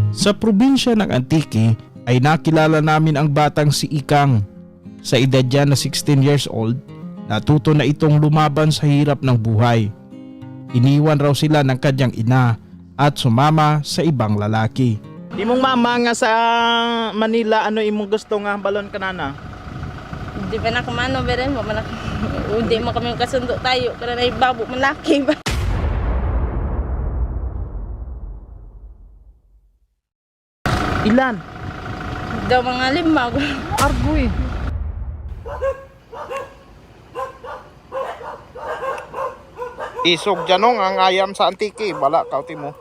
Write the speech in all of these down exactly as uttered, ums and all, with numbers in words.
Sa probinsya ng Antique ay nakilala namin ang batang si Ikang. Sa edad niya na sixteen years old, natuto na itong lumaban sa hirap ng buhay. Iniwan raw sila ng kanyang ina at sumama sa ibang lalaki. Imong mama nga sa Manila, ano imong gusto nga balon kanana? Di ba na kumano ba rin? Hindi mo kami kasundo tayo. Kaya na ibabo malaki ba? Ilan? Daw mga lima. Argoy. Isog janong ang ayam sa Antique, bala kauti mo.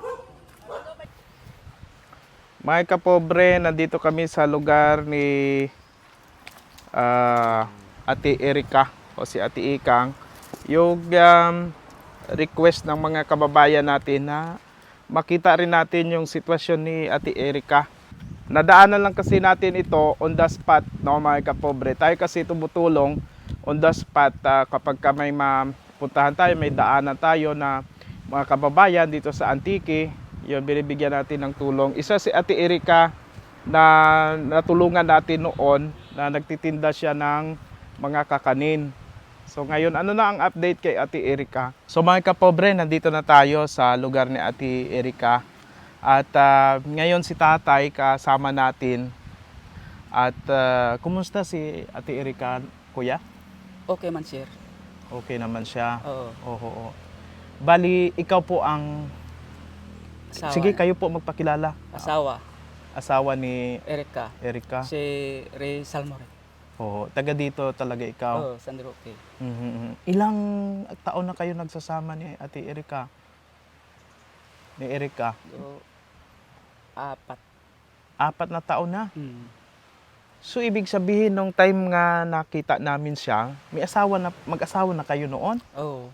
Mga kapobre, nandito kami sa lugar ni uh, Ate Erika o si Ate Ikang. Yung um, request ng mga kababayan natin na makita rin natin yung sitwasyon ni Ate Erika. Nadaanan lang kasi natin ito on the spot, no, mga kapobre. Tayo kasi tumutulong on the spot uh, kapag ka may mapuntahan tayo, may daanan tayo na mga kababayan dito sa Antique, yun, binibigyan natin ng tulong. Isa si Ate Erika na natulungan natin noon na nagtitinda siya ng mga kakanin. So ngayon, ano na ang update kay Ate Erika? So mga kapobre, nandito na tayo sa lugar ni Ate Erika. At uh, ngayon si tatay kasama natin. At uh, kumusta si Ate Erika, kuya? Okay man, sir. Okay naman siya. Oo. Oo, oo. Bali, ikaw po ang... Asawa. Sige, kayo po magpakilala. Asawa. Asawa ni Erika. Erika. Si Ray Salmore. Oo, taga dito talaga ikaw. Oo, San Roque. Mhm. Ilang taon na kayo nagsasama ni Ate Erika? Ni Erika? So, apat. Apat na taon na. Hmm. So, ibig sabihin, nung time nga nakita namin siya, may asawa na, mag-asawa na kayo noon? Oo.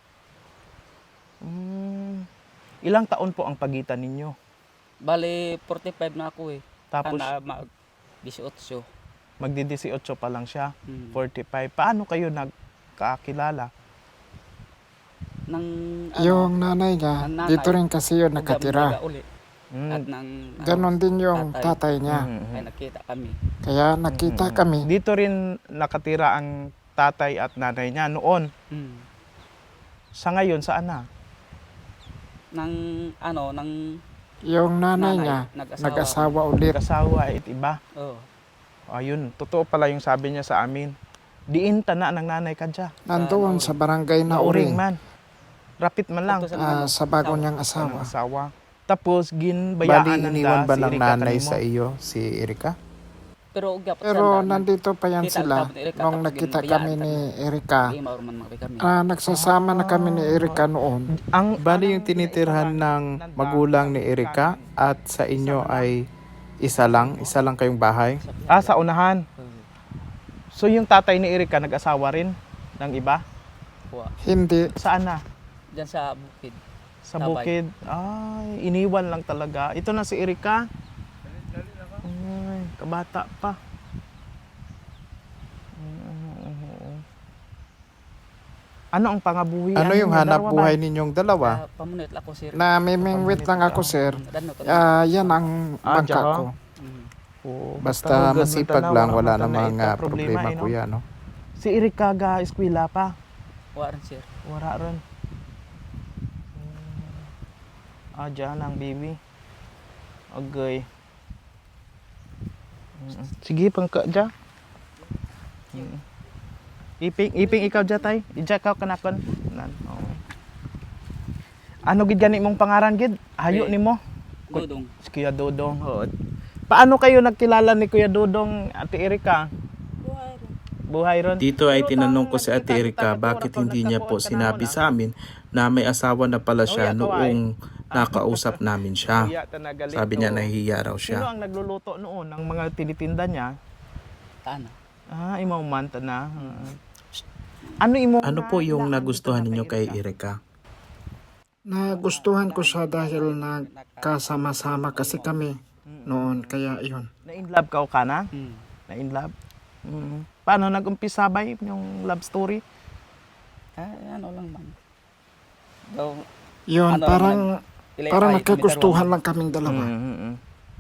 Mm, ilang taon po ang pagitan ninyo? Bali, forty-five na ako eh. Tapos, Ana, mag eighteen. magdi-eighteen pa lang siya, Hmm. forty-five. Paano kayo nagkakilala? Nang, Yung nanay niya, ang nanay, dito rin kasi yun uga- nakatira. uga uli. Mm. At nang, Ganon din yung tatay. tatay niya. Mhm. ay nakita kami. Kaya nakita Mhm. kami. Dito rin nakatira ang tatay at nanay niya noon. Hmm. Sa ngayon, saan na? Nang, ano, nang, Yung nanay, Nanay, niya, nag-asawa. nag-asawa ulit. Kasawa at iba. oo. Ayun, totoo pala yung sabi niya sa amin. Diin tana ng nanay ka dyan. Nandoon sa barangay na Nauring Uring, man. Rapit man lang. Ito sa- ah, sa bago niyang Ang asawa. asawa. Tapos, ginbayaan Bali, ng iniwan ba si ng Erika nanay kanimo? sa iyo, si Erika? Pero, uga, Pero nandito pa yan Kita sila. ang tapos ni Erika, Nung tapos nakita ginbayaan kami kami. ni Erika, Hindi maurman mga kami. ah, nagsasama na kami ni Erika noon. Ang, Bali, yung tinitirhan ng magulang ni Erika at sa inyo ay isa lang, isa lang kayong bahay. Ah, sa unahan. Oo. So, yung tatay ni Erika nag-asawa rin ng iba? Kuha. Hindi. Saan na? Diyan sa bukid. Sa Tabay. bukid. Ay, iniwan lang talaga. Ito na si Erika. Ay, kabata pa. Ano ang pangabuhi? Ano yung hanap dalawa ba? buhay ninyong dalawa? Ah, pamunit lang ko, sir. Na mimingwit lang ako, sir. Dano to. Ah, yan ang Ah, bangka diyan, ko. Mhm. Oo, Basta hugad masipag man lang, tanaw, wala man namang tanaw, ah, ito, problema, eh, no? kuya, no? Si Erika ga eskwela pa. Wa rin, sir. Wala rin. Ah, dyan ang baby. Okay. Mm. Sige, pangka dyan. Mm. Iping, iping ikaw dyan, tay. Ija ka kanakon. Nan. Oo. Ano gid gani mong pangaran gid? Hayo Eh. nimo. Dudong. Si Kuya Dodong. Oo. Paano kayo nagkilala ni Kuya Dodong, Ate Erika? Buhay ron. Dito ay tinanong ko si Ate Erika bakit hindi niya po sinabi sa amin na may asawa na pala siya noong nakausap namin siya. Kuya, tanagalit, Sabi niya oo. nahihiya raw Sino siya. ang nagluluto noon ng mga tinitinda niya? Tana. Ah, imaw manta na. Ah. Ano imo? Ano po yung nagustuhan ninyo kay Erika? Nagustuhan ko siya dahil nagkasama-sama kasi kami noon. Kaya yun. Na in love ka o ka na? Hmm. Na in love? Mm. Paano nag-umpisa ba yung love story? Ah, ano lang man. Daw, Yun, Ano, parang, Ilay- parang ay, nagkagustuhan tumitarong. lang kaming dalawa. Mm, mm, mm.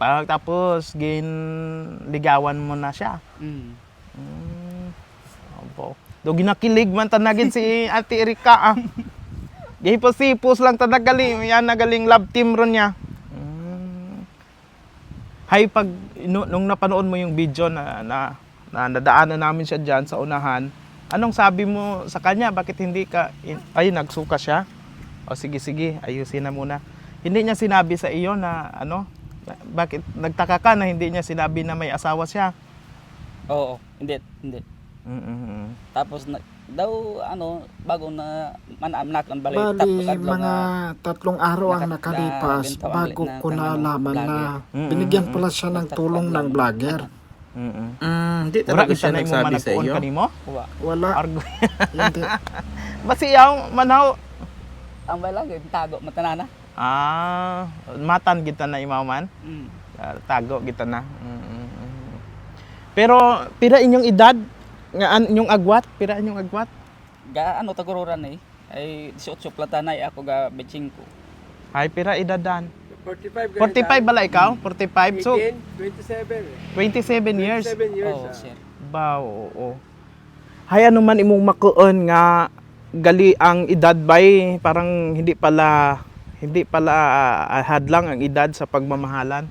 pag tapos gin ligawan mo na siya. Mm. Mm. Opo. Do ginakilig man tanagin si Ate Erika ah. Gihipos-hipos lang tanagaling, yan nagaling love team ron niya. Mm. Hay pag nu- nung napanood mo yung video na na, na nadaanan namin siya diyan sa unahan, anong sabi mo sa kanya? Bakit hindi ka in- ay nagsuka siya? O sige sige, ayusin na muna. Hindi niya sinabi sa iyo na ano, bakit nagtaka ka na hindi niya sinabi na may asawa siya? Oo, hindi, hindi. Mm. Tapos na, daw ano bago na manamnak ang balay Bali, tapos adlaw mga nga tatlong araw ang nakat- nakalipas na- bentaw ang bago na- ko ng ano, nalaman na vlogger. binigyan Mm, pala siya ng tulong ng vlogger. Mm. Mm, di Wala talaga kita siya na mo nagsabi sa managpuon iyo. kanimo? wa. Wala, Argo. hindi. Basiyaw manaw. Ang balay tago matanana. Ah, matan kita na imaman. Mm. Ah, tago kita na. Mm, mm, mm. Pero pira inyong edad nga an inyong agwat, pira inyong agwat. Ga ano tagururan eh ay eighteen platanay ako ga betching ko. Ay pira edadan. forty-five. forty-five bala ikaw? forty-five. So twenty-seven. twenty-seven years. twenty-seven years. Oh, ah. sir. Ba, oo. Hay ano man imong makuon nga gali ang edad bay parang hindi pala hindi pala ah, hadlang ang edad sa pagmamahalan.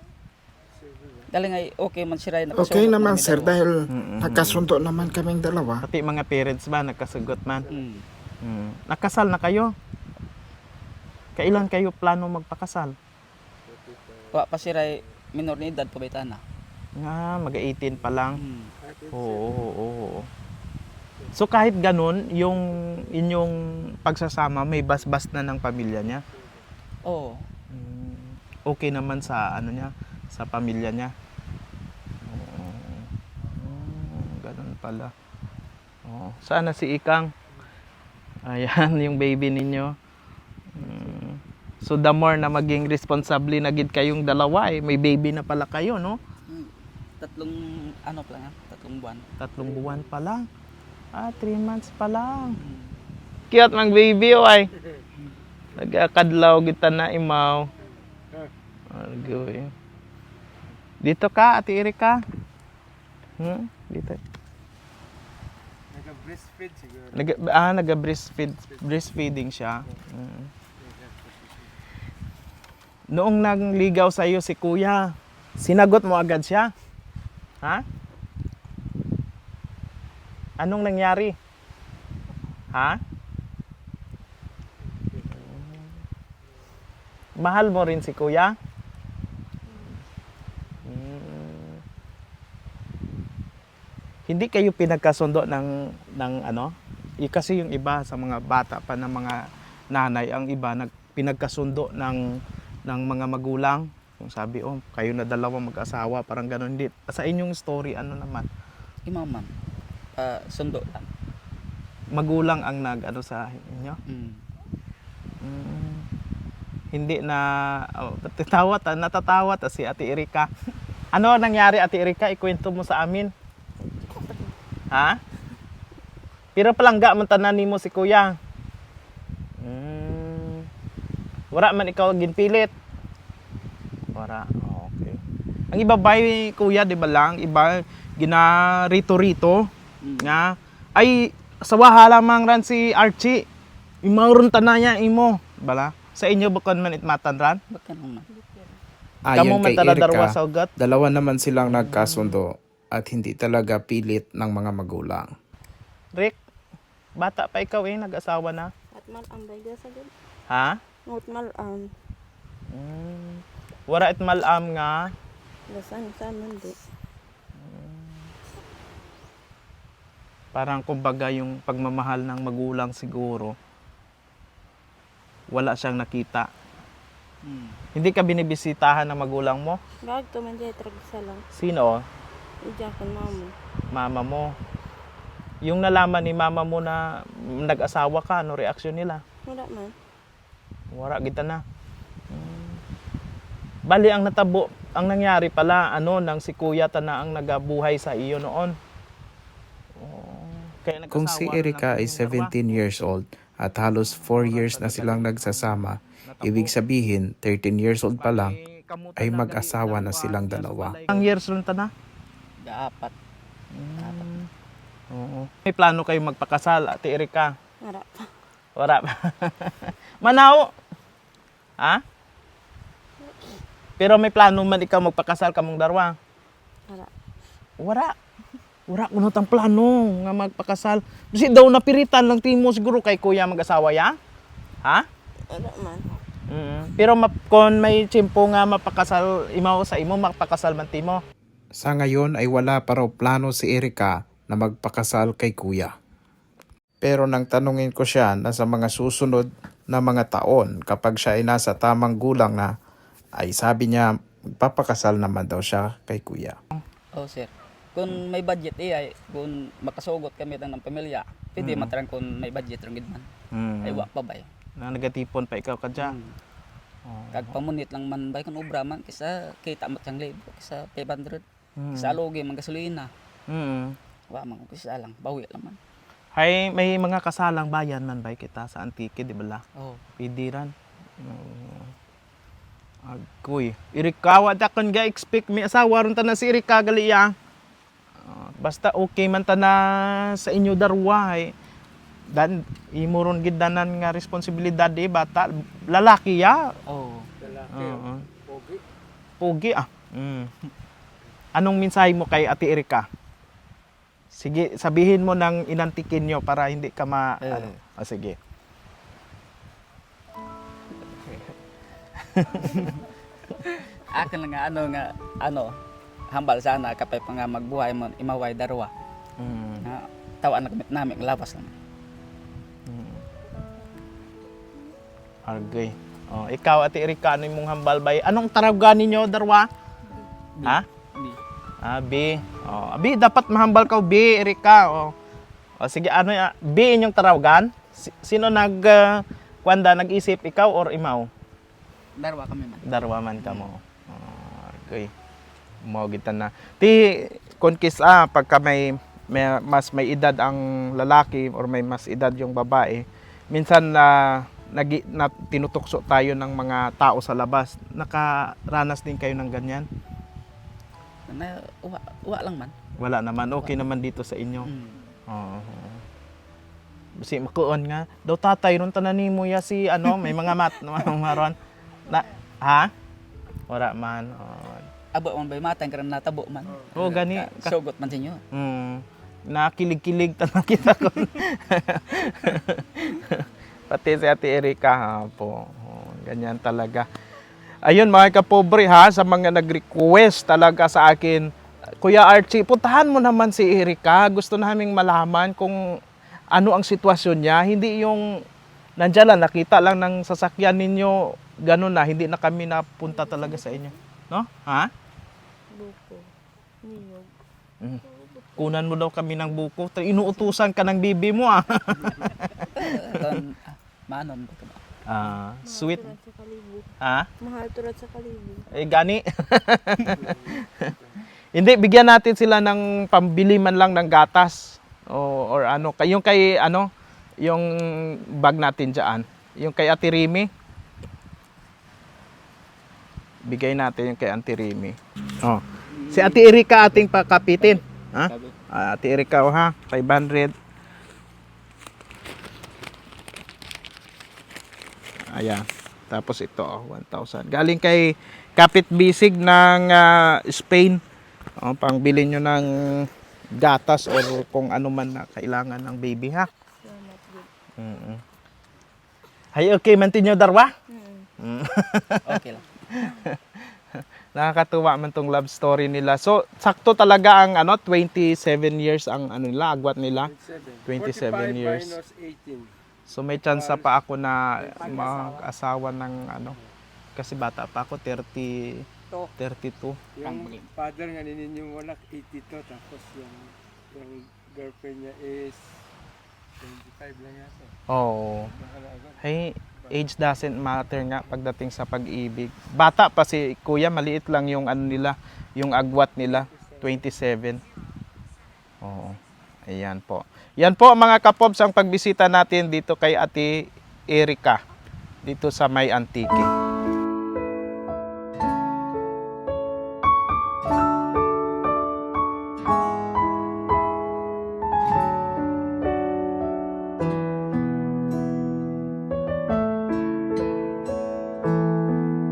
Dali nga okay man siya na Okay naman sir dahil dahil Mm-mm. nagkasundo naman kaming dalawa. Pati mga parents ba nagkasugot man? mm. Mm. Nakasal na kayo? Kailan kayo plano magpakasal? Wa pa siya minor ni edad pabaytan na. Nga, mag-eighteen pa lang. Mm. Oo, oo, oo. So kahit ganun, yung inyong pagsasama may basbas na ng pamilya niya. Oo. Mm, okay naman sa ano niya, sa pamilya niya. Oo. Mm, ganun pala. Oo. Saan na si Ikang? Ayan, yung baby ninyo. Mm. So the more na maging responsable na gid kayong dalawa eh, may baby na pala kayo, no? Mm. Tatlong ano pa lang, tatlong buwan. Tatlong buwan pa lang. Ah, three months pa lang. Mm. Cute mang baby, oy. Nagkakadlaw kita na imaw. Argoy. Dito ka, Ate Erika. Hmm? Dito. Nag-breastfeed siguro. Nag ah, naga-breastfeed, breastfeeding siya. Mm. Noong nagligaw sa iyo si Kuya, sinagot mo agad siya? Ha? Anong nangyari? Ha? Mahal mo rin si Kuya? Mm. Hindi kayo pinagkasundo ng ng ano? I, kasi yung iba sa mga bata pa ng mga nanay, ang iba nag pinagkasundo ng ng mga magulang. Kung sabi, oh, kayo na dalawa mag-asawa, parang gano'n. Hindi. Sa inyong story, ano naman? Imaman. Ah, sundo lang. Magulang ang nag ano sa inyo? Mm. Mm. Hindi na oh, natatawa ta, natatawa ta si Ate Erika. Ano nangyari, Ate Erika? Ikwento mo sa amin. Ha? Pero palangga man tanan nimo si Kuya. Mm. Wala man ikaw ginpilit. Wala. Okay. Ang iba bay Kuya, di ba lang? Iba ginarito-rito Mm. nga ay sa wahala mang ran si Archie. Imauron tanaya imo, bala. Sa inyo bukod man itmatan ran. Bakit naman? Kamo Ayon man kay taladarwa Erika, sa ugat. dalawa naman silang nagkasundo at hindi talaga pilit ng mga magulang. Rick, bata pa ikaw eh, nag-asawa na. At malam ba sa gud? Ha? Ngot malam. Mm. Wara it malam nga. Gasan sa mundo. Parang kumbaga yung pagmamahal ng magulang siguro. Wala siyang nakita. Mm. Hindi ka binibisitahan ng magulang mo? Gag to man jay tragsa lang. Sino? Ija kon mamo. Mama mo. Yung nalaman ni mama mo na nag-asawa ka, ano reaksyon nila? Wala man. Wala kita na. Hmm. Bali ang natabo, ang nangyari pala ano nang si Kuya ta na ang nagabuhay sa iyo noon. Oh, kaya Kung nag-asawa si na lang Erika ay kayong seventeen years old at halos four years na silang nagsasama, ibig sabihin thirteen years old pa lang, ay mag-asawa na silang dalawa. Ang years rin ta na? Gaapat. Mm. Oo. May plano kayo magpakasal, Ate Erika? Wala pa. Wala pa. Manaw! Ha? Pero may plano man ikaw magpakasal kamong darwa? Wala. Wala. Wala ko nang plano nga magpakasal. Kasi daw napiritan lang timo siguro kay kuya mag-asawa ya? Ha? Wala man. Mm. Pero map, kung may tiyempo nga mapakasal imaw sa imo, mapakasal man timo. Sa ngayon ay wala pa raw plano si Erika na magpakasal kay kuya. Pero nang tanungin ko siya na sa mga susunod na mga taon kapag siya ay nasa tamang gulang na, ay sabi niya magpapakasal naman daw siya kay kuya. Oh, sir. Kung may budget eh, ay, kung makasugot kami ng pamilya, pwede Mm. matarang kung may budget rin gid man. Mm. Ay, wa pa ba yun? Na nagatipon pa ikaw kadya. Mm. Kag pamunit lang man ba kung obra man, kisa kita mat sang libo, kisa five hundred. Mm. Kisa alugi, man gasolina. Mm. Wa man, kisa lang, bawi lang man. Hay may mga kasalang bayan man ba kita sa Antique, di ba la? Oh. Pwede ran. Mm. Agoy. Erika, wala kon ga expect may asawa ron ta na si Erika gali ya. Ah, basta okay man ta na sa inyo darwa ay dan imo ron gid danan nga responsibilidad di bata lalaki ya. Oh. Lalaki. Oo. Pogi. Pogi ah. Mm. Anong mensahe mo kay Ate Erika? Sige, sabihin mo ng inantikin nyo para hindi ka ma... Eh. Ano? Ah, sige. Akin lang nga ano nga ano hambal sana kapay pa nga magbuhay mo imaway darwa. Mm. Nga tawaan na gamit namin labas lang. Argay. Oh, ikaw, Ate Erika, ano yung mong hambal bay? Anong taragan ninyo, darwa? Ha? Di. Ah, B. Oh, B, dapat mahambal ka, B, Erika. Oh. Oh, sige, ano ya? B inyong taragan? Si- Sino nag... Uh, kwanda, nag-isip, ikaw or imaw? Darwa kami man. Darwa man ka mo. Oh, argay. Mo kita na. Ti, konkis, ah, pagka may, may, mas may edad ang lalaki or may mas edad yung babae, minsan na... nagi na tinutukso tayo ng mga tao sa labas. Nakaranas din kayo ng ganyan? Na wa, wa lang man. Wala naman. Okay naman dito sa inyo. Mm. Oo. Si makuon nga. Daw tatay ron tanan mo ya si ano, may mga mat maron. Na ha? Wala man. Oh. Abo man bay matang karon natabo man. Oh, gani. Ka- Sugot man sinyo. Mm. Nakilig-kilig tanang kita ko. Pati si Ate Erika ha po. Oh, ganyan talaga. Ayun mga kapobre ha, sa mga nag-request talaga sa akin, Kuya Archie, puntahan mo naman si Erika. Gusto naming malaman kung ano ang sitwasyon niya. Hindi yung nandiyan lang, nakita lang ng sasakyan ninyo, ganun na, hindi na kami napunta talaga sa inyo. No? Ha? Buko. Niyog. Mm. Kunan mo daw kami ng buko. Inuutusan ka ng bibi mo ah. Kon manon ba ka ba? Ah, sweet. Mahal turat sa kalibo. Ha? Mahal turat sa kalibo. Eh, gani. Hindi, bigyan natin sila ng pambili man lang ng gatas. O, or ano, kay- yung kay, ano, yung bag natin dyan. Yung kay Ate Rimi. Bigay natin yung kay Ate Rimi. Oh. Si Ate Erika ating pakapitin. Ha? Sabi. Ah, Ate Erika, oh, ha? five hundred. Ayan. Tapos ito, oh, one thousand. Galing kay Kapit Bisig ng ah, Spain. Oh, pangbili nyo ng gatas or kung ano man na kailangan ng baby, ha? Salamat good. Mm-mm. Hay, okay man tinyo, Darwa? Mm. Mm. Okay lang. Nakakatuwa man tong love story nila. So, sakto talaga ang ano, twenty-seven years ang ano nila, agwat nila. twenty-seven years. Minus eighteen. So may chance pa ako na mag-asawa ng ano, kasi bata pa ako, thirty, thirty-two. Yung father nga ninin yung anak, eighty-two. Tapos yung, yung girlfriend niya is twenty-five lang yata. Oh. Nakalagot. Hey, age doesn't matter nga pagdating sa pag-ibig. Bata pa si Kuya, maliit lang yung ano nila, yung agwat nila, twenty-seven. Oo. Ayan po. Yan po mga kapobs ang pagbisita natin dito kay Ate Erika dito sa May Antique.